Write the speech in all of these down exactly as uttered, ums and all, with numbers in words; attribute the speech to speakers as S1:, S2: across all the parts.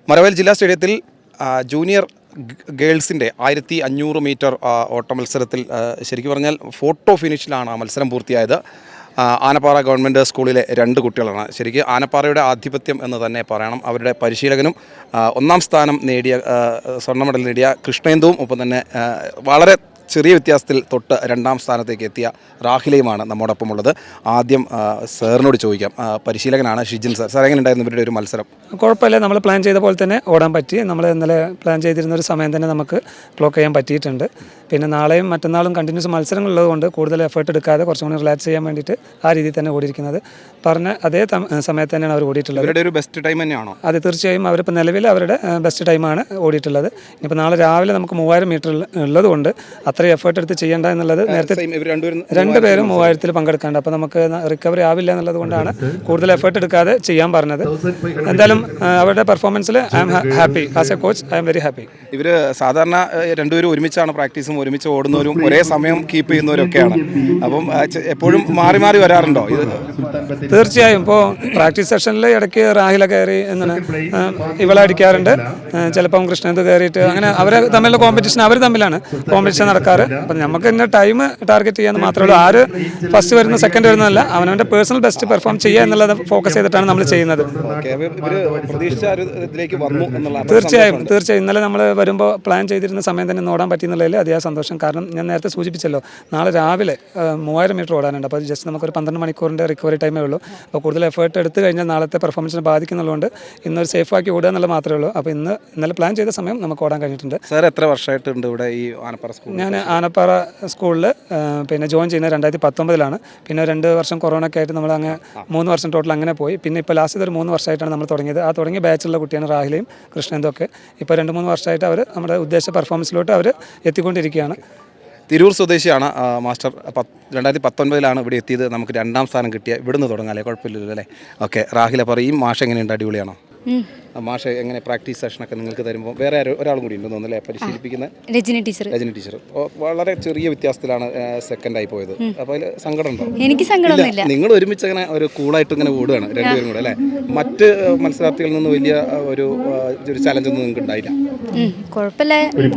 S1: മരവേൽ ജില്ലാ സ്റ്റേഡിയത്തിൽ ജൂനിയർ ഗേൾസിൻ്റെ ആയിരത്തി അഞ്ഞൂറ് മീറ്റർ ഓട്ട മത്സരത്തിൽ ശരിക്കും പറഞ്ഞാൽ ഫോട്ടോ ഫിനിഷിലാണ് ആ മത്സരം പൂർത്തിയായത്. ആനപ്പാറ ഗവൺമെൻറ് സ്കൂളിലെ രണ്ട് കുട്ടികളാണ്. ശരിക്കും ആനപ്പാറയുടെ ആധിപത്യം എന്ന് തന്നെ പറയണം. അവരുടെ പരിശീലകനും ഒന്നാം സ്ഥാനം നേടിയ സ്വർണ്ണ മെഡൽ നേടിയ കൃഷ്ണേന്ദുവും ഒപ്പം തന്നെ വളരെ ചെറിയ വ്യത്യാസത്തിൽ തൊട്ട് രണ്ടാം സ്ഥാനത്തേക്ക് എത്തിയ റാഹിലയുമാണ് നമ്മോടൊപ്പം ഉള്ളത്. ആദ്യം സാറിനോട് ചോദിക്കാം. പരിശീലകനാണ് ഷിജിൻ സാർ. സാർ എങ്ങനെ ഉണ്ടായിരുന്നു ഇവരുടെ ഒരു മത്സരം?
S2: കുഴപ്പമില്ല, നമ്മൾ പ്ലാൻ ചെയ്ത പോലെ തന്നെ ഓടാൻ പറ്റി. നമ്മൾ ഇന്നലെ പ്ലാൻ ചെയ്തിരുന്ന ഒരു സമയം തന്നെ നമുക്ക് ക്ലോക്ക് ചെയ്യാൻ പറ്റിയിട്ടുണ്ട്. പിന്നെ നാളെയും മറ്റന്നാളും കണ്ടിന്യൂസ് മത്സരങ്ങളുള്ളത് കൊണ്ട് കൂടുതൽ എഫേർട്ട് എടുക്കാതെ കുറച്ചും കൂടി റിലാക്സ് ചെയ്യാൻ വേണ്ടിയിട്ട് ആ രീതിയിൽ തന്നെ ഓടിയിരിക്കുന്നത്. പറഞ്ഞ അതേ സമയത്ത് തന്നെയാണ് അവർ ഓടിയിട്ടുള്ളത്.
S1: അവരുടെ ഒരു ബെസ്റ്റ് ടൈം തന്നെയാണോ?
S2: അത് തീർച്ചയായും അവരിപ്പോൾ നിലവിൽ അവരുടെ ബെസ്റ്റ് ടൈമാണ് ഓടിയിട്ടുള്ളത്. ഇനിയിപ്പോൾ നാളെ രാവിലെ നമുക്ക് മൂവായിരം മീറ്റർ ഉള്ളത് കൊണ്ട് അത്രയും എഫേർട്ട് എടുത്ത് ചെയ്യേണ്ട എന്നുള്ളത് നേരത്തെ രണ്ടുപേരും മൂവായിരത്തിൽ പങ്കെടുക്കാണ്ട്, അപ്പോൾ നമുക്ക് റിക്കവറി ആവില്ല എന്നുള്ളത് കൊണ്ടാണ് കൂടുതൽ എഫേർട്ട് എടുക്കാതെ ചെയ്യാൻ പറഞ്ഞത്. എന്തായാലും അവരുടെ പെർഫോമൻസിൽ I am happy. As a coach I am very happy.
S1: ഇവർ സാധാരണ രണ്ടുപേരും ഒരുമിച്ചാണ് പ്രാക്ടീസും ഒരുമിച്ച് ഓടുന്നവരും ഒരേ സമയം കീപ്പ് ചെയ്യുന്നവരൊക്കെയാണ്. അപ്പം എപ്പോഴും മാറി മാറി വരാറുണ്ടോ ഇത്?
S2: തീർച്ചയായും. ഇപ്പോൾ പ്രാക്ടീസ് സെഷനിൽ ഇടയ്ക്ക് റാഹില കയറി എന്നാണ് ഇവളെ അടിക്കാറുണ്ട്. ചിലപ്പം കൃഷ്ണന്ത് കയറിയിട്ട് അങ്ങനെ അവർ തമ്മിലുള്ള കോമ്പറ്റീഷൻ അവർ തമ്മിലാണ് കോമ്പറ്റീഷൻ നടക്കാറ്. അപ്പം നമുക്ക് തന്നെ ടൈം ടാർഗറ്റ് ചെയ്യാന്ന് മാത്രമേ ഉള്ളൂ. ആര് ഫസ്റ്റ് വരുന്ന സെക്കൻഡ് വരുന്നതല്ല, അവനവൻ്റെ പേഴ്സണൽ ബെസ്റ്റ് പെർഫോം ചെയ്യുക എന്നുള്ളത് ഫോക്കസ് ചെയ്തിട്ടാണ് നമ്മൾ ചെയ്യുന്നത്. തീർച്ചയായും തീർച്ചയായും ഇന്നലെ നമ്മൾ വരുമ്പോൾ പ്ലാൻ ചെയ്തിരുന്ന സമയം തന്നെ ഓടാൻ പറ്റിയെന്നുള്ളതിൽ അതിയായ സന്തോഷം. കാരണം ഞാൻ നേരത്തെ സൂചിപ്പിച്ചല്ലോ, നാളെ രാവിലെ മൂവായിരം മീറ്റർ ഓടാനുണ്ട്. അപ്പോൾ ജസ്റ്റ് നമുക്കൊരു പന്ത്രണ്ട് മണിക്കൂറിൻ്റെ റിക്കവറി ടൈമേ ഉള്ളൂ. അപ്പോൾ കൂടുതൽ എഫേർട്ട് എടുത്തു കഴിഞ്ഞാൽ നാളത്തെ പെർഫോമൻസിനെ ബാധിക്കുന്നുള്ളതുകൊണ്ട് ഇന്നൊരു സേഫാക്കി ഓടുക എന്നുള്ള മാത്രമേ ഉള്ളൂ. അപ്പോൾ ഇന്ന് ഇന്നലെ പ്ലാൻ ചെയ്ത സമയം നമുക്ക് ഓടാൻ കഴിഞ്ഞിട്ടുണ്ട്.
S1: സാർ എത്ര വർഷമായിട്ടുണ്ട് ഇവിടെ ഈ ആനപ്പാറ സ്കൂൾ?
S2: ഞാൻ ആനപ്പാറ സ്കൂളിൽ പിന്നെ ജോയിൻ ചെയ്യുന്നത് രണ്ടായിരത്തി പത്തൊമ്പതിലാണ്. പിന്നെ രണ്ട് വർഷം കൊറോണ ഒക്കെ ആയിട്ട് നമ്മൾ അങ്ങ് മൂന്ന് വർഷം ടോട്ടൽ അങ്ങനെ പോയി. പിന്നെ ഇപ്പോൾ ലാസ്റ്റ് ഒരു മൂന്ന് വർഷമായിട്ടാണ് നമ്മൾ തുടങ്ങിയത്. ആ തുടങ്ങിയ ബാച്ചിലുള്ള കുട്ടിയാണ് റാഹിലയും കൃഷ്ണന്തും ഒക്കെ. ഇപ്പോൾ രണ്ട് മൂന്ന് വർഷമായിട്ട് അവർ നമ്മുടെ ഉദ്ദേശ പെർഫോമൻസിലോട്ട് അവർ എത്തിക്കൊണ്ടിരിക്കുകയാണ്.
S1: തിരൂർ സ്വദേശിയാണ് മാസ്റ്റർ. രണ്ടായിരത്തി പത്തൊൻപതിലാണ് ഇവിടെ എത്തിയത്. നമുക്ക് രണ്ടാം സ്ഥാനം കിട്ടിയ ഇവിടുന്ന് തുടങ്ങാല്ലേ? കുഴപ്പമില്ലല്ലോ അല്ലേ? ഓക്കെ. റാഹില പറയും, മാഷ് എങ്ങനെയുണ്ട്? അടിപൊളിയാണോ? മാഷ് എങ്ങനെ പ്രാക്ടീസ് സെഷനൊക്കെ നിങ്ങൾക്ക് തരുമ്പോൾ വേറെ ഒരാളും കൂടി ഉണ്ടെന്ന് തോന്നുന്നല്ലേ പരിശീലിപ്പിക്കുന്ന?
S3: രജനി ടീച്ചർ.
S1: രജനി ടീച്ചർ വളരെ ചെറിയ വ്യത്യാസത്തിലാണ് സെക്കൻഡായി പോയത്. അപ്പോൾ അതിൽ സങ്കടം ഉണ്ടോ?
S4: എനിക്ക് സങ്കടമൊന്നുമില്ല.
S1: നിങ്ങൾ ഒരുമിച്ച് അങ്ങനെ ഒരു കൂളായിട്ട് ഇങ്ങനെ ഓടുകയാണ് രണ്ടുപേരും കൂടെ അല്ലേ? മറ്റ് മത്സരാർത്ഥികളിൽ നിന്ന് വലിയ ഒരു ഒരു ചലഞ്ച് ഒന്നും നിങ്ങൾക്ക് ഉണ്ടായില്ല?
S4: കുഴപ്പമില്ല.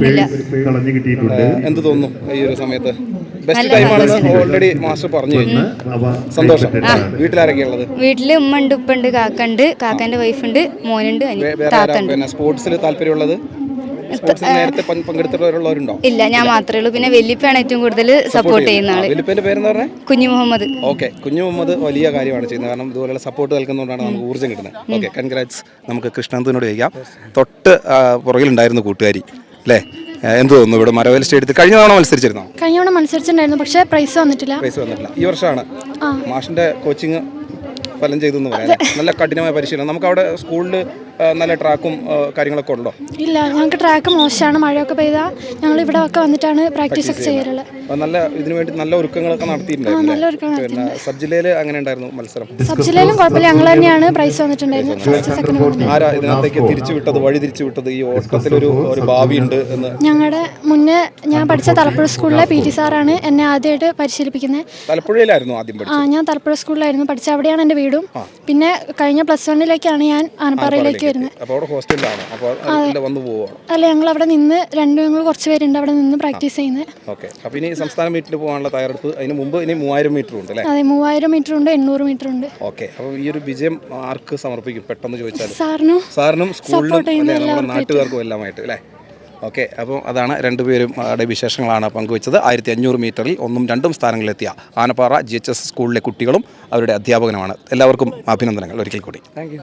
S1: എന്ത് തോന്നുന്നു ഈ ഒരു സമയത്ത്? ബെസ്റ്റ് ടൈമാണെന്ന് ഓൾറെഡി മാസ്റ്റർ പറഞ്ഞു കഴിഞ്ഞു. സന്തോഷം. വീട്ടിലാരൊക്കെയാ ഉള്ളത്?
S4: വീട്ടില് ഉമ്മ ഉണ്ട്, ഉപ്പ ഉണ്ട്, കാക്ക ഉണ്ട്, കാക്കാന്റെ വൈഫ് ഉണ്ട്, മോനുണ്ട്, താത്തുണ്ട്.
S1: സ്പോർട്സിൽ താല്പര്യമുള്ളത്? നേരത്തെ പങ്കെടുത്തിട്ടുള്ളവരുണ്ടോ?
S4: ഇല്ല, ഞാൻ മാത്രമേ ഉള്ളൂ. പിന്നെ വല്യപ്പയാണ് ഏറ്റവും കൂടുതൽ സപ്പോർട്ട് ചെയ്യുന്ന ആള്.
S1: വല്യപ്പന്റെ പേരെന്ന് പറഞ്ഞാൽ
S4: കുഞ്ഞു മുഹമ്മദ്.
S1: ഓക്കെ. കുഞ്ഞു മുഹമ്മദ് വലിയ കാര്യമാണ് ചെയ്യുന്നത്. കാരണം ഇതുപോലുള്ള സപ്പോർട്ട് നൽകുന്നതുകൊണ്ടാണ് നമുക്ക് ഊർജ്ജം കിട്ടുന്നത്. Okay, congrats. നമുക്ക് കൃഷ്ണന്തിനോട് ചോദിക്കാം. തൊട്ട് പുറകിലുണ്ടായിരുന്നു കൂട്ടുകാരി അല്ലേ? എന്ത് തോന്നുന്നു ഇവിടെ മരവേൽ സ്റ്റേഡിയത്തിൽ? കഴിഞ്ഞ തവണ മത്സരിച്ചിരുന്നോ?
S5: കഴിഞ്ഞ തവണ മത്സരിച്ചിട്ടുണ്ടായിരുന്നു, പക്ഷേ പ്രൈസ് വന്നിട്ടില്ല.
S1: പ്രൈസ് വന്നിട്ടില്ല. ഈ വർഷമാണ് മാഷിന്റെ കോച്ചിങ് ഫലം ചെയ്തെന്ന് പറയാം. നല്ല കഠിനമായ പരിശീലനം. നമുക്ക് അവിടെ സ്കൂളിൽ നല്ല ട്രാക്കും കാര്യങ്ങളൊക്കെ ഉണ്ടോ?
S5: ഇല്ല, ഞങ്ങൾക്ക് ട്രാക്ക് മോശമാണ്. മഴയൊക്കെ പെയ്താൽ ഞങ്ങൾ ഇവിടെ ഒക്കെ വന്നിട്ടാണ് പ്രാക്ടീസ് ഒക്കെ ചെയ്യാറുള്ളത്.
S1: നല്ല ഇതിനു വേണ്ടി നല്ല ഒരുക്കങ്ങളൊക്കെ നടത്തിയിട്ടുണ്ടായിരുന്നു. പിന്നെ സബ് ജില്ലയിൽ അങ്ങനെ ഉണ്ടായിരുന്നു മത്സരം?
S5: സബ് ജില്ലയിലും കുഴപ്പമില്ല, ഞങ്ങൾ തന്നെയാണ് പ്രൈസ് വന്നിട്ടുണ്ടായിരുന്നത്.
S1: ആരാ ഇതിനകത്തേക്ക് തിരിച്ചു വിട്ടത്, വഴി തിരിച്ചു വിട്ടത്? ഈ ഓട്ടത്തിലൊരു ഒരു ഭാവി ഉണ്ട് എന്ന്.
S5: ഞങ്ങളുടെ മുന്നേ ഞാൻ പഠിച്ച തലപ്പുഴ സ്കൂളിലെ പി ടി സാറാണ് എന്നെ ആദ്യമായിട്ട് പരിശീലിപ്പിക്കുന്നത്.
S1: തലപ്പുഴയിലായിരുന്നു ആദ്യം പഠിച്ചത്?
S5: ആ, ഞാൻ തലപ്പുഴ സ്കൂളിലായിരുന്നു പഠിച്ച. അവിടെയാണ് എൻ്റെ വീടും. പിന്നെ കഴിഞ്ഞ പ്ലസ് വണ്ണിലേക്കാണ് ഞാൻ ആനപ്പാറയിലേക്ക് വരുന്നത്. അല്ല, ഞങ്ങൾ അവിടെ നിന്ന് രണ്ട് ഞങ്ങൾ കുറച്ച് പേരുണ്ട് അവിടെ നിന്ന് പ്രാക്ടീസ് ചെയ്യുന്നത്.
S1: സംസ്ഥാന മീറ്റിൽ പോകാനുള്ള തയ്യാറെടുപ്പ് അതിന് മുമ്പ് ഇനി മൂവായിരം മീറ്റർ ഉണ്ട് അല്ലേ?
S5: അതെ, മൂവായിരം മീറ്റർ ഉണ്ട്, എണ്ണൂറ് മീറ്റർ ഉണ്ട്.
S1: ഓക്കെ. അപ്പോൾ ഈ ഒരു വിജയം ആർക്ക് സമർപ്പിക്കും പെട്ടെന്ന് ചോദിച്ചാൽ?
S5: സാറിനും
S1: സാറിനും സ്കൂളിലും നമ്മുടെ നാട്ടുകാർക്കും എല്ലാമായിട്ട് അല്ലേ? ഓക്കെ. അപ്പോൾ അതാണ് രണ്ടുപേരും അവിടെ വിശേഷങ്ങളാണ് പങ്കുവച്ചത്. ആയിരത്തി അഞ്ഞൂറ് മീറ്ററിൽ ഒന്നും രണ്ടും സ്ഥാനങ്ങളിലെത്തിയ ആനപ്പാറ ജി എച്ച് എസ് സ്കൂളിലെ കുട്ടികളും അവരുടെ അധ്യാപകനുമാണ്. എല്ലാവർക്കും അഭിനന്ദനങ്ങൾ ഒരിക്കൽ കൂടി. Thank U.